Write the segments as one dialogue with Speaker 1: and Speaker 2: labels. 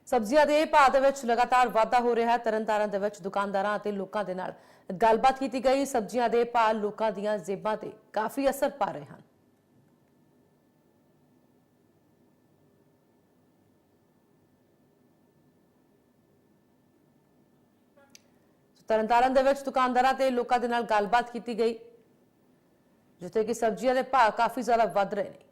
Speaker 1: ਸਬਜ਼ੀਆਂ ਦੇ ਭਾਅ ਦੇ ਵਿੱਚ ਲਗਾਤਾਰ ਵਾਧਾ ਹੋ ਰਿਹਾ ਹੈ। ਤਰਨਤਾਰਨ ਦੇ ਵਿੱਚ ਦੁਕਾਨਦਾਰਾਂ ਅਤੇ ਲੋਕਾਂ ਦੇ ਨਾਲ ਗੱਲਬਾਤ ਕੀਤੀ ਗਈ। ਸਬਜ਼ੀਆਂ ਦੇ ਭਾਅ ਲੋਕਾਂ ਦੀਆਂ ਜੇਬਾਂ ਤੇ ਕਾਫੀ ਅਸਰ ਪਾ ਰਹੇ ਹਨ। ਤਰਨਤਾਰਨ ਦੇ ਵਿੱਚ ਦੁਕਾਨਦਾਰਾਂ ਤੇ ਲੋਕਾਂ ਦੇ ਨਾਲ ਗੱਲਬਾਤ ਕੀਤੀ ਗਈ, ਜਿੱਥੇ ਕਿ ਸਬਜ਼ੀਆਂ ਦੇ ਭਾਅ ਕਾਫੀ ਜ਼ਿਆਦਾ ਵੱਧ ਰਹੇ ਨੇ।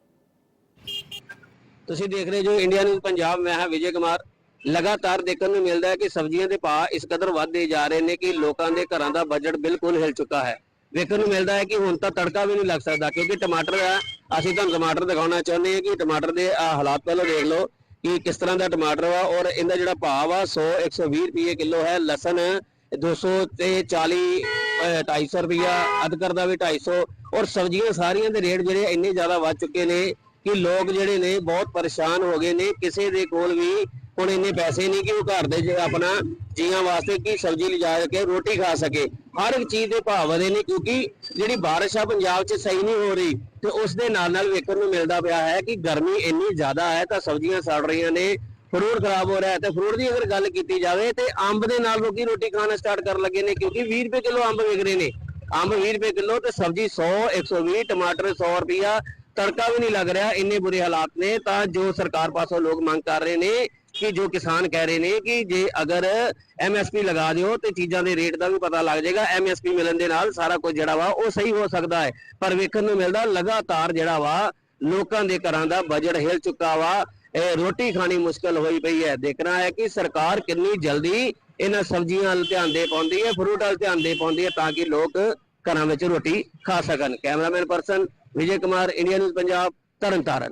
Speaker 2: ਤੁਸੀਂ ਦੇਖ ਰਹੇ ਜੋ ਇੰਡੀਆ ਨਿਊਜ਼ ਪੰਜਾਬ, ਮੈਂ ਹਾਂ ਵਿਜੇ ਕੁਮਾਰ। लगातार देखने को मिलता है कि सब्जियों के भाव इस कदर ਵਧਦੇ जा रहे हैं कि लोगों के घरों का बजट बिल्कुल हिल चुका है। देखने को मिलता है कि हुण तो तड़का भी नहीं लग सकता, क्योंकि टमाटर है, असीं तुहानूं टमाटर दिखाना चाहते हैं कि टमाटर के हालात पहले देख लो कि किस तरह का टमाटर वा, और इनका जो भाव आ 100-120 रुपये किलो है। लसन 200 ते 40 250 रुपया, अदरक का भी 250, और सब्जियां सारियां दे रेट जिहड़े इन्ने ज़्यादा वध चुके ने कि लोग जिहड़े ने बहुत परेशान हो गए ने। किसी दे कोल भी ਹੁਣ ਇੰਨੇ ਪੈਸੇ ਨਹੀਂ ਕਿ ਉਹ ਘਰ ਦੇ ਆਪਣਾ ਜੀਆਂ ਵਾਸਤੇ ਕੀ ਸਬਜ਼ੀ ਲਿਜਾ ਕੇ ਰੋਟੀ ਖਾ ਸਕੇ। ਹਰ ਇੱਕ ਚੀਜ਼ ਦੇ ਭਾਅ ਵਧੇ ਨੇ, ਕਿਉਂਕਿ ਜਿਹੜੀ ਬਾਰਿਸ਼ ਆ ਪੰਜਾਬ 'ਚ ਸਹੀ ਨਹੀਂ ਹੋ ਰਹੀ, ਤੇ ਉਸ ਦੇ ਨਾਲ ਵੇਖਣ ਨੂੰ ਮਿਲਦਾ ਪਿਆ ਹੈ ਕਿ ਗਰਮੀ ਇੰਨੀ ਜ਼ਿਆਦਾ ਹੈ ਤਾਂ ਸਬਜ਼ੀਆਂ ਸੜ ਰਹੀਆਂ ਨੇ, ਫਰੂਟ ਖਰਾਬ ਹੋ ਰਿਹਾ ਹੈ। ਤੇ ਫਰੂਟ ਦੀ ਅਗਰ ਗੱਲ ਕੀਤੀ ਜਾਵੇ ਤੇ ਅੰਬ ਦੇ ਨਾਲ ਲੋਕੀ ਰੋਟੀ ਖਾਣਾ ਸਟਾਰਟ ਕਰਨ ਲੱਗੇ ਨੇ, ਕਿਉਂਕਿ 20 ਰੁਪਏ ਕਿਲੋ ਅੰਬ ਵਿਕ ਰਹੇ ਨੇ। ਅੰਬ 20 ਰੁਪਏ ਕਿਲੋ ਤੇ ਸਬਜ਼ੀ 100-120, ਟਮਾਟਰ 100 ਰੁਪਇਆ, ਤੜਕਾ ਵੀ नहीं लग रहा। इन्ने बुरे हालात ने तो जो सरकार पासों लोग मांग कर रहे ने कि जो किसान कह रहे हैं कि जे अगर MSP लगा दिओ तो चीज़ों के रेट का भी पता लग जाएगा। MSP मिलने के नाल सारा कुछ जिहड़ा वा वो सही हो सकता है, पर वेखण नूं मिलदा लगातार जिहड़ा वा लोकां दे घरां दा बजट हिल चुका वा। रोटी खानी मुश्किल होई पई है। देखना है कि सरकार कितनी जल्दी इन्हां सब्जियां वल ध्यान दे पाउंदी है, फ्रूट वल ध्यान दे पाउंदी है, ताकि लोग घरां विच रोटी खा सकन। Cameraman person Vijay Kumar, India news Punjab, Tarn Taran.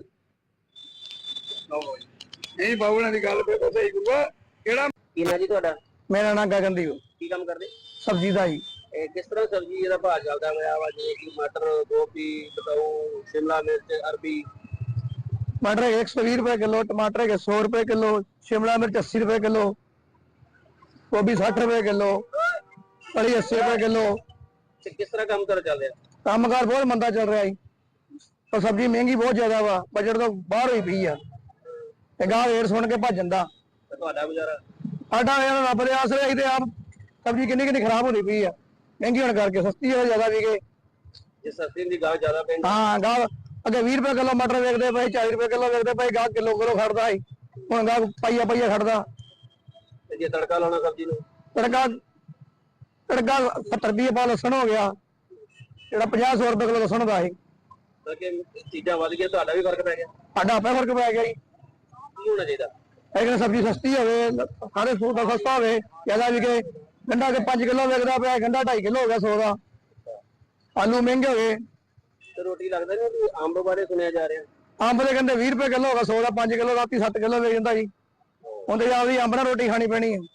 Speaker 3: नहीं बाबू ने गल पे सही गुरुआ केड़ा
Speaker 2: ਕੀ ਨਾਂ ਜੀ ਤੁਹਾਡਾ?
Speaker 3: मेरा नाम गगनदीप
Speaker 2: ਕੀ ਕੰਮ ਕਰਦੇ?
Speaker 3: सब्जी दा जी।
Speaker 2: ਕਿਸ ਤਰ੍ਹਾਂ ਸਬਜ਼ੀ ਦਾ ਭਾਅ ਚੱਲਦਾ ਹੋਇਆ ਵਾ, ਜਿਵੇਂ ਕਿ ਮਟਰ, ਗੋਭੀ, ਬਤਾਊ, शिमला मिर्च, अरबी?
Speaker 3: मटर 120 रुपए किलो, टमाटर के 100 रुपए किलो, शिमला मिर्च 80 रुपए किलो, गोभी 60 रुपए किलो, फली 80 रुपए किलो।
Speaker 2: ਤੇ ਕਿਸ ਤਰ੍ਹਾਂ ਕੰਮ ਕਰ ਚੱਲ ਰਿਹਾ?
Speaker 3: कामकाज बहुत मंदा चल रहा है और सब्जी महंगी बहुत ज्यादा वा, बजट तो बाहर हुई पई है। गाह रेट सुन के भज जांदा
Speaker 2: ਤੇ ਤੁਹਾਡਾ ਗੁਜ਼ਾਰਾ?
Speaker 3: साडा रब दे आसरे आई ते आप सब्जी किन्नी खराब होनी पई है, महंगी होने करके सस्ती हो ज्यादा विके।
Speaker 2: ਜੇ ਸਸਤੀ ਦੀ ਗਾਹ ਜ਼ਿਆਦਾ ਪੈਂਦੀ?
Speaker 3: हाँ गाह अगे 20 रुपए किलो मटर वेचते पे, 40 रुपए किलो वेचते पे, गाह किलो खड़दा है, हुण गाह पाइया खड़दा।
Speaker 2: ਤੇ ਜੇ ਤੜਕਾ ਲਾਉਣਾ ਸਬਜ਼ੀ ਨੂੰ?
Speaker 3: तड़का 70 रुपये पा लसन हो गया, ਜਿਹੜਾ 50-100 रुपए किलो लसन ਦਾ ਹੈ।
Speaker 2: ਤਾਂ ਕਿ ਚੀਜ਼ਾਂ ਵਧ ਗਈਆਂ, ਤੁਹਾਡਾ ਵੀ ਫਰਕ ਪੈ ਗਿਆ?
Speaker 3: ਸਾਡਾ ਆਪੇ ਫਰਕ ਪੈ ਗਿਆ ਜੀ।
Speaker 2: ਕੀ ਹੋਣਾ ਚਾਹੀਦਾ?
Speaker 3: ਲੇਕਿਨ ਸਬਜ਼ੀ ਸਸਤੀ ਹੋਵੇ, ਸਾਰੇ ਫਰੂਟ ਦਾ ਸਸਤਾ ਹੋਵੇ, ਜ਼ਿਆਦਾ ਵਿਕੇ। ਗੰਢਾ ਕੇ 5 ਕਿਲੋ ਵਿਕਦਾ ਪਿਆ, ਗੰਢਾ 2.5 ਕਿਲੋ ਹੋ ਗਿਆ 100 ਦਾ। ਆਲੂ ਮਹਿੰਗੇ ਹੋ ਗਏ।
Speaker 2: ਤੇ ਰੋਟੀ ਲੱਗਦਾ ਨਹੀਂ ਕਿ ਅੰਬ ਬਾਰੇ ਸੁਣਿਆ ਜਾ ਰਿਹਾ?
Speaker 3: ਅੰਬ ਦੇ ਕਹਿੰਦੇ 20 ਰੁਪਏ ਕਿਲੋ ਹੋ ਗਿਆ 100 ਦਾ, 5 ਕਿਲੋ ਰਾਤੀ 7 ਕਿਲੋ ਵੇਚ ਜਾਂਦਾ ਜੀ। ਉਹਦੇ ਜਾ ਵੀ ਅੰਬ ਨਾਲ ਰੋਟੀ ਖਾਣੀ ਪੈਣੀ ਹੈ।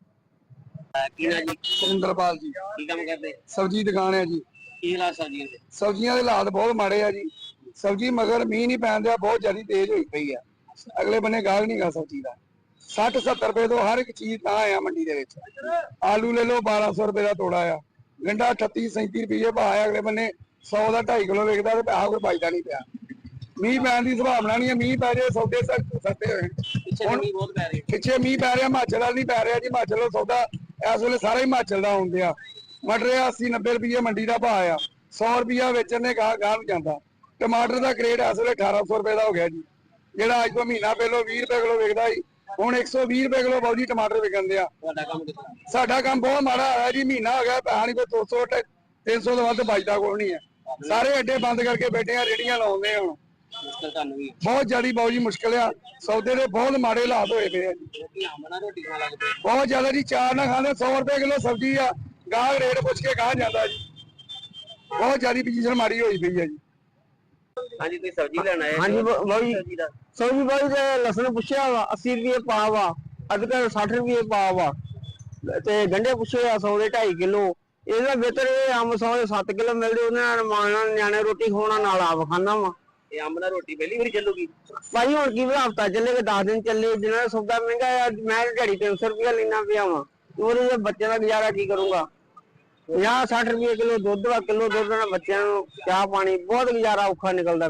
Speaker 2: ਕੀ ਨਾ ਜੀ?
Speaker 3: ਸੁਰਿੰਦਰਪਾਲ ਜੀ।
Speaker 2: ਕੀ ਕੰਮ ਕਰਦੇ?
Speaker 3: ਸਬਜ਼ੀ ਦੁਕਾਨ ਹੈ ਜੀ।
Speaker 2: ਕੀ ਹਾਲਾਤ ਸਬਜ਼ੀਆਂ ਦੇ?
Speaker 3: ਸਬਜ਼ੀਆਂ ਦੇ ਹਾਲਾਤ ਬਹੁਤ ਮਾੜੇ ਆ ਜੀ। ਸਬਜ਼ੀ ਮਗਰ ਮੀਂਹ ਨਹੀਂ ਪੈਣ ਦਿਆ, ਬਹੁਤ ਜ਼ਿਆਦਾ ਤੇਜ਼ ਹੋਈ ਪਈ ਆ। ਅਗਲੇ ਬੰਨੇ ਗਾਹਕ ਨਹੀਂ ਗਾ ਸਬਜ਼ੀ ਦਾ। 60-70 ਰੁਪਏ ਤੋਂ ਹਰ ਇੱਕ ਚੀਜ਼ ਤਾਂ ਆ ਮੰਡੀ ਦੇ ਵਿੱਚ। ਆਲੂ ਲੈ ਲਓ 1200 ਰੁਪਏ ਦਾ ਤੋੜਾ ਆ, ਗੰਢਾ 38-37 ਰੁਪਏ ਭਾਅ ਆ। ਅਗਲੇ ਬੰਨੇ 100 ਦਾ 2.5 ਕਿਲੋ ਵਿਕਦਾ ਤੇ ਪੈਸਾ ਕੋਈ ਬਚਦਾ ਨਹੀਂ ਪਿਆ। ਮੀਂਹ ਪੈਣ ਦੀ ਸੰਭਾਵਨਾ ਨਹੀਂ ਹੈ। ਮੀਂਹ ਪੈ ਜਾਏ ਸੌਦੇ ਸਸਤੇ ਹੋਏ।
Speaker 2: ਪਿੱਛੇ ਮੀਂਹ ਬਹੁਤ ਪੈ ਰਿਹਾ।
Speaker 3: ਪਿੱਛੇ ਮੀਂਹ ਪੈ ਰਿਹਾ, ਹਿਮਾਚਲ ਵਾਲ ਨਹੀਂ ਪੈ ਰਿਹਾ ਜੀ। ਹਿਮਾਚਲ ਦਾ ਸੌਦਾ ਇਸ ਵੇਲੇ ਸਾਰਾ ਹਿਮਾਚਲ ਦਾ ਆਉਂਦੇ ਆ। ਮਟਰ 80-90 ਰੁਪਏ ਮੰਡੀ ਦਾ ਭਾਅ ਆ, 100 ਰੁਪਇਆ ਵੇਚਣ ਨੇ ਗਾਹ ਨੂੰ ਜਾਂਦਾ। ਟਮਾਟਰ ਦਾ ਕਰੇਟ ਇਸ ਵੇਲੇ 1800 ਰੁਪਏ ਦਾ ਹੋ ਗਿਆ ਜੀ, ਜਿਹੜਾ ਅੱਜ ਤੋਂ ਮਹੀਨਾ ਪਹਿਲਾਂ 20 ਰੁਪਏ ਕਿਲੋ ਵਿਕਦਾ ਸੀ, ਹੁਣ 120 ਰੁਪਏ ਕਿਲੋ ਬਾਊ ਜੀ ਟਮਾਟਰ ਵਿਕਣ ਦਿਆ।
Speaker 2: ਤੁਹਾਡਾ ਕੰਮ ਕਿੱਦਾਂ?
Speaker 3: ਸਾਡਾ ਕੰਮ ਬਹੁਤ ਮਾੜਾ ਹੋਇਆ ਜੀ। ਮਹੀਨਾ ਹੋ ਗਿਆ, ਪੈਸਾ ਨਹੀਂ ਕੋਈ 200-300 ਤੋਂ ਵੱਧ ਬਚਦਾ ਕੋਈ ਨਹੀਂ ਹੈ। ਸਾਰੇ ਅੱਡੇ ਬੰਦ ਕਰਕੇ ਬੈਠੇ ਆ, ਰੇੜੀਆਂ ਲਾਉਂਦੇ ਹੁਣ।
Speaker 2: ਮੁਸ਼ਕਲ ਤੁਹਾਨੂੰ ਵੀ?
Speaker 3: ਬਹੁਤ ਜ਼ਿਆਦਾ ਬਾਊ ਜੀ ਮੁਸ਼ਕਿਲ ਆ। ਸੌਦੇ ਦੇ ਬਹੁਤ ਮਾੜੇ ਹਾਲਾਤ ਹੋਏ ਪਏ ਆ ਜੀ।
Speaker 2: ਲੋਕੀ ਅੰਬ ਨਾਲ ਰੋਟੀ ਖਾਣ ਲੱਗ ਪਏ।
Speaker 3: ਬਹੁਤ ਜ਼ਿਆਦਾ ਜੀ। ਚਾਰ ਨਾ ਖਾਂਦੇ 100 ਰੁਪਏ ਕਿਲੋ ਸਬਜ਼ੀ ਆ, ਗਾਹਕ ਰੇਟ ਪੁੱਛ ਕੇ ਗਾਹ ਜਾਂਦਾ ਜੀ। ਬਹੁਤ ਜ਼ਿਆਦਾ ਪੋਜੀਸ਼ਨ ਮਾੜੀ ਹੋਈ ਪਈ ਹੈ ਜੀ।
Speaker 2: ਹਾਂਜੀ, ਤੁਸੀਂ ਸਬਜ਼ੀ ਲੈਣ ਆਏ?
Speaker 3: ਹਾਂਜੀ ਬਾਊ ਜੀ।
Speaker 2: ਸਬਜ਼ੀ ਦਾ
Speaker 3: ਸਬਜ਼ੀ ਬਾਊ ਜੀ ਲਸਣ ਪੁੱਛਿਆ ਵਾ 80 ਰੁਪਏ ਪਾ ਵਾ, ਅਦਰਕ 60 ਰੁਪਏ ਪਾ ਵਾ, ਤੇ ਗੰਢੇ ਪੁੱਛੇ ਆ 100 ਦੇ 2.5 ਕਿਲੋ। ਇਹਦਾ ਬਿਹਤਰ ਇਹ ਅੰਬ 100 ਦੇ 7 ਕਿਲੋ ਮਿਲਦੇ, ਉਹਦੇ ਨਾਲ ਮਾਣ ਨਿਆਣੇ ਰੋਟੀ ਖਾਣਾ, ਨਾਲ ਆਪ ਖਾਣਾ ਵਾ।
Speaker 2: ਇਹ ਅੰਬ ਨਾਲ ਰੋਟੀ ਪਹਿਲੀ ਵਾਰੀ ਚੱਲੂਗੀ?
Speaker 3: ਭਾਈ ਹੁਣ ਕੀ ਹਫ਼ਤਾ ਚੱਲੇ ਕਿ 10 ਦਿਨ ਚੱਲੇ, ਜਿੰਨਾ ਸੌਦਾ ਮਹਿੰਗਾ ਆ। ਮੈਂ ਦਿਹਾੜੀ 300 ਰੁਪਇਆ ਲੈਣਾ ਪਿਆ ਵਾ, ਉਹਦੇ ਬੱਚੇ ਦਾ ਗੁਜ਼ਾਰਾ ਕੀ ਕਰੂੰਗਾ। 50-60 ਰੁਪਏ ਕਿਲੋ ਦੁੱਧ ਵਾ, ਕਿਲੋ ਦੁੱਧ ਨਾਲ ਬੱਚਿਆਂ ਨੂੰ ਚਾਹ ਪਾਣੀ, ਬਹੁਤ ਗੁਜ਼ਾਰਾ ਔਖਾ ਨਿਕਲਦਾ ਪਿਆ।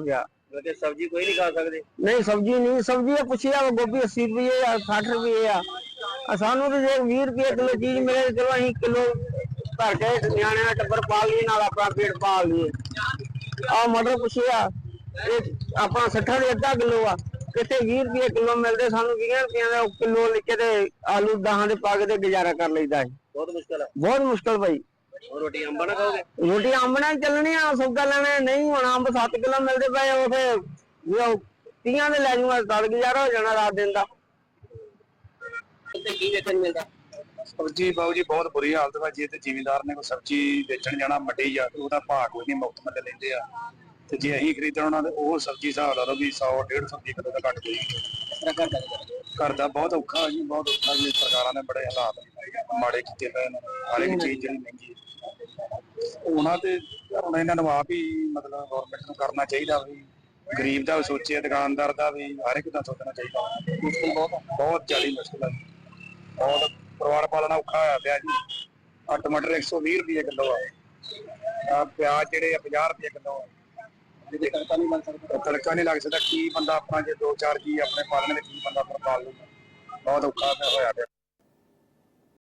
Speaker 2: वैसे सब्जी कोई नहीं खा सकते?
Speaker 4: नहीं सब्जी नहीं, सब्जी पुछिया गोभी 80 रुपये या 60 रुपये आ सानू तो जे 20 रुपये किलो चीज मिले चलो अं किलो भर के न्याणे का टब्बर पाल लिए नाल अपना पेट पाल लिए। आ मटर पुछिया अपना 60 ਦੇ ਅੱਧਾ ਕਿਲੋ ਆ, ਕਿਤੇ 20 ਰੁਪਏ ਕਿਲੋ ਮਿਲਦੇ, ਸਾਨੂੰ 20 ਰੁਪਏ ਦਾ ਕਿਲੋ ਲਿਖ ਕੇ ਤੇ ਆਲੂ 10 ਦੇ ਪਾ ਕੇ ਤੇ ਗੁਜ਼ਾਰਾ ਕਰ ਲਈਦਾ ਹੈ।
Speaker 2: बहुत मुश्किल है।
Speaker 4: ਬਹੁਤ ਮੁਸ਼ਕਲ ਭਾਈ।
Speaker 2: और रोटी अंबा ना खाओगे?
Speaker 4: ਰੋਟੀ ਅੰਬ ਨਾਲ ਚੱਲਣੀ ਆ, ਸੌਦਾ ਲੈਣੇ ਨਹੀਂ ਹੋਣਾ, ਅੰਬ 7 ਕਿਲੋ ਮਿਲਦੇ ਪਏ ਉਹ ਫਿਰ 30 ਦੇ ਲੈ ਜੂਗਾ, ਤਦ ਗੁਜ਼ਾਰਾ ਹੋ ਜਾਣਾ ਰਾਤ ਦਿਨ ਦਾ।
Speaker 2: ਉੱਤੇ ਕੀ ਵੇਖਣ ਨੂੰ ਮਿਲਦਾ?
Speaker 3: ਸਬਜ਼ੀ ਬਾਊ ਜੀ ਬਹੁਤ ਬੁਰੀ ਹਾਲਤ ਵਾ। ਜੇ ਤੇ ਜ਼ਿਮੀਂਦਾਰ ਨੇ ਕੋਈ ਸਬਜ਼ੀ ਵੇਚਣ ਜਾਣਾ ਮੰਡੀ ਜਾਂ ਉਹਦਾ ਭਾਅ ਕੋਈ ਨਹੀਂ, ਮੁਫਤ ਮੁੱਲ ਲੈਂਦੇ ਆ, ਤੇ ਜੇ ਅਸੀਂ ਖਰੀਦਣ ਉਹਨਾਂ ਦੇ ਉਹ ਸਬਜ਼ੀ ਹਿਸਾਬ ਲਾ ਲਓ ਵੀ 100-150 ਰੁਪਏ ਕਿਲੋ ਦਾ ਘੱਟ ਕੋਈ। ਘਰ ਦਾ ਬਹੁਤ ਔਖਾ ਜੀ, ਬਹੁਤ ਔਖਾ ਜੀ। ਸਰਕਾਰਾਂ ਨੇ ਬੜੇ ਹਾਲਾਤ ਮਾੜੇ ਕੀਤੇ ਪਏ ਨੇ, ਹਰ ਇੱਕ ਚੀਜ਼ ਜਿਹੜੀ ਮਹਿੰਗੀ ਉਹਨਾਂ ਤੇ ਹੁਣ ਇਹਨਾਂ ਨੂੰ ਆਪ ਹੀ ਮਤਲਬ ਗਵਰਨਮੈਂਟ ਨੂੰ ਕਰਨਾ ਚਾਹੀਦਾ ਵੀ ਗਰੀਬ ਦਾ ਵੀ ਸੋਚੇ, ਦੁਕਾਨਦਾਰ ਦਾ ਵੀ, ਹਰ ਇੱਕ ਦਾ ਸੋਚਣਾ ਚਾਹੀਦਾ। ਮੁਸ਼ਕਿਲ ਬਹੁਤ ਜ਼ਿਆਦਾ ਮੁਸ਼ਕਿਲ ਹੈ, ਬਹੁਤ ਪਰਿਵਾਰ ਪਾਲਣਾ ਔਖਾ ਹੋਇਆ ਪਿਆ ਜੀ। ਆ ਟਮਾਟਰ 120 ਰੁਪਏ ਕਿਲੋ ਆ ਪਿਆਜ਼ ਜਿਹੜੇ ਆ 50 ਰੁਪਏ ਕਿਲੋ ਆ। ਜਿਹਦੇ ਤੜਕਾ ਨਹੀਂ ਬਣ ਸਕਦਾ, ਤੜਕਾ ਨਹੀਂ ਲੱਗ ਸਕਦਾ। ਕੀ ਬੰਦਾ ਆਪਣਾ ਜੇ 2-4 ਜੀ ਆਪਣੇ ਪਾਲਣ ਦੇ ਕੀ ਬੰਦਾ ਆਪਣਾ ਪਾਲ ਲੂਗਾ, ਬਹੁਤ ਔਖਾ ਹੋਇਆ ਪਿਆ।